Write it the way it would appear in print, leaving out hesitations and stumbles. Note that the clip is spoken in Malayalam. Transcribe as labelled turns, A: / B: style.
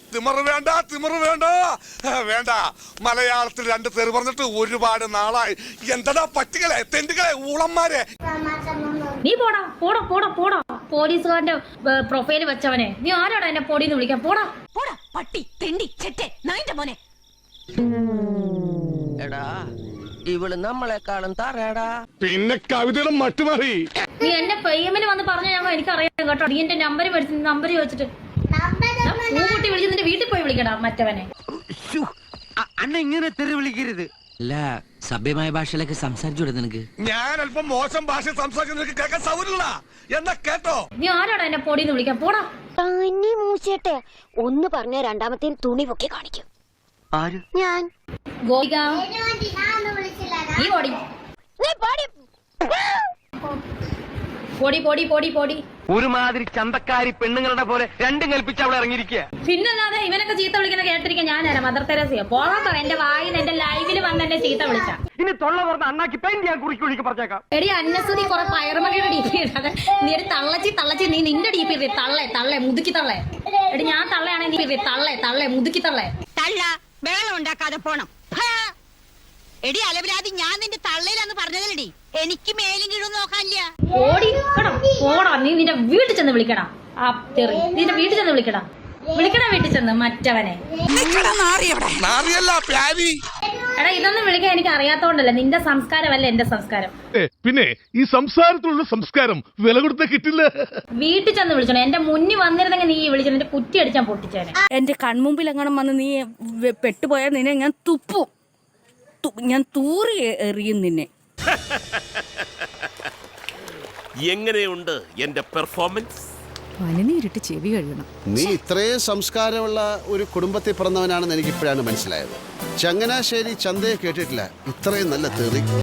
A: തിമറ് വേണ്ട, തിമറ് വേണ്ട, വേണ്ട. മലയാളത്തിൽ 2 തെറി പറഞ്ഞിട്ട് ഒരുപാട് നാളായി. എന്താ പറ്റികളെ, തെണ്ടുകളെ, ഊളന്മാരെ.
B: നീ പോടാ പോടാ പോടാ പോടാ. പോലീസുകാരന്റെ പ്രൊഫൈല് വെച്ചവനെ നീ ആരാടാ എന്നെ പൊടിന്ന് വിളിക്കാൻ? പോടാ
C: പോടാ പട്ടി തെണ്ടി ചെറ്റെ നായിന്റെ മോനെ.
D: എടാ ഇവള് നമ്മളെക്കാളും തറയടാ.
A: പിന്നെ കവിതയുടെ മട്ടുമാറി.
B: നീ എന്റെ പെയ്യമ്മിന് വന്ന് പറഞ്ഞ ഞങ്ങൾ എനിക്കറിയാം കേട്ടോ. നീ എന്റെ നമ്പർ ചോദിച്ചിട്ട് പൂട്ടി വിളിച്ച് നിന്റെ വീട്ടിൽ പോയി വിളിക്കടാ മറ്റവനെ.
E: അണ്ണ ഇങ്ങനെ തെറി വിളിക്കരുത്.
D: അല്ല സഭ്യമായ ഭാഷയിലൊക്കെ സംസാരിച്ചൂടെ നിനക്ക്?
A: ഞാൻ അല്പം മോശം ഭാഷ സംസാരിക്കുന്ന കേൾക്കാൻ സൗകര്യമില്ല എന്നാ കേട്ടോ.
B: നീ ആരാടാ എന്നെ പൊടിന്ന് വിളിക്കാൻ? പോടാ.
F: തന്നെ മൂച്ചേട്ടെ ഒന്ന് പറഞ്ഞ രണ്ടാമത്തെ തുണി പൊക്കി കാണിക്കും.
E: ആര്?
F: ഞാൻ
B: ഗോപിക നീ പൊടി
F: നീ പാടി
B: പൊടി പൊടി പൊടി പൊടി.
E: ഒരുമാതിരി ചന്തക്കാരി പെണ്ണുങ്ങളുടെ പോലെ രണ്ടും കൽപ്പിച്ച് അവിടെ ഇറങ്ങിയിരിക്കുക.
B: പിന്നല്ലാതെ ഇവനൊക്കെ ചീത്ത വിളിക്കുന്ന കേട്ടിരിക്കാൻ ഞാനാരാ? മദർ തെരേസയോ? പോകാൻ പറ. എന്റെ വായിൽ എന്റെ ലൈവിൽ വന്ന് എന്നെ ചീത്ത വിളിച്ച
E: ഇനി തൊള്ള പറഞ്ഞ അണ്ണാക്കി പെയിന്റ് ഞാൻ കുറിക്ക് പറഞ്ഞേക്കാം.
B: എടി അന്നസുതി കുറെ പയറുമണിയുടെ ഡി പി ഇടാതെ നീ ഒരു തള്ളച്ചി നീ നിന്റെ ഡി പി ഇടേ. തള്ളേ മുതുക്കി തള്ളേ. എടി ഞാൻ തള്ളയാണെങ്കിൽ നീ തള്ളേ മുതുക്കി തള്ളേ.
C: തള്ള ബഹളം ഉണ്ടാക്കാതെ പോണം. എടി അലവിലാതി ഞാൻ നിന്റെ തള്ളയിലാന്ന് പറഞ്ഞതല്ലടി. എനിക്ക് മേലും കീഴും നോക്കാനില്ല.
B: പോടാ. നീ നിന്റെ വീട്ടിൽ ചെന്ന് വിളിക്കടാ. ആ തെറി നിന്റെ വീട്ടിൽ ചെന്ന് വിളിക്കടാ. വീട്ടിൽ ചെന്ന് മറ്റവനെ. എടാ ഇതൊന്നും വിളിക്കാൻ എനിക്ക് അറിയാത്തോണ്ടല്ല. നിന്റെ സംസ്കാരമല്ല എന്റെ സംസ്കാരം.
G: പിന്നെ ഈ സംസാരത്തിലുള്ള സംസ്കാരം വില കൊടുത്ത കിട്ടില്ല.
B: വീട്ടിൽ ചെന്ന് വിളിച്ചോ. എന്റെ മുന്നിൽ വന്നിരുന്നെങ്കിൽ നീ വിളിച്ചു എന്റെ കുറ്റി അടിച്ചാൻ പൊട്ടിച്ചേനെ.
H: എന്റെ കൺമുമ്പിൽ എങ്ങനെ വന്ന് നീ പെട്ടുപോയാൽ നിന്നെ ഞാൻ തുപ്പും. ഞാൻ തൂറി എറിയും നിന്നെ.
I: എങ്ങനെയുണ്ട് എന്റെ പെർഫോമൻസ്?
H: പനിനീരിട്ട് ചെവി കഴിയണം.
J: നീ ഇത്രയും സംസ്കാരമുള്ള ഒരു കുടുംബത്തിൽ പിറന്നവനാണെന്ന് എനിക്കിപ്പോഴാണ് മനസ്സിലായത്. ചങ്ങനാശ്ശേരി ചന്തയെ കേട്ടിട്ടില്ല ഇത്രയും നല്ല തെറി.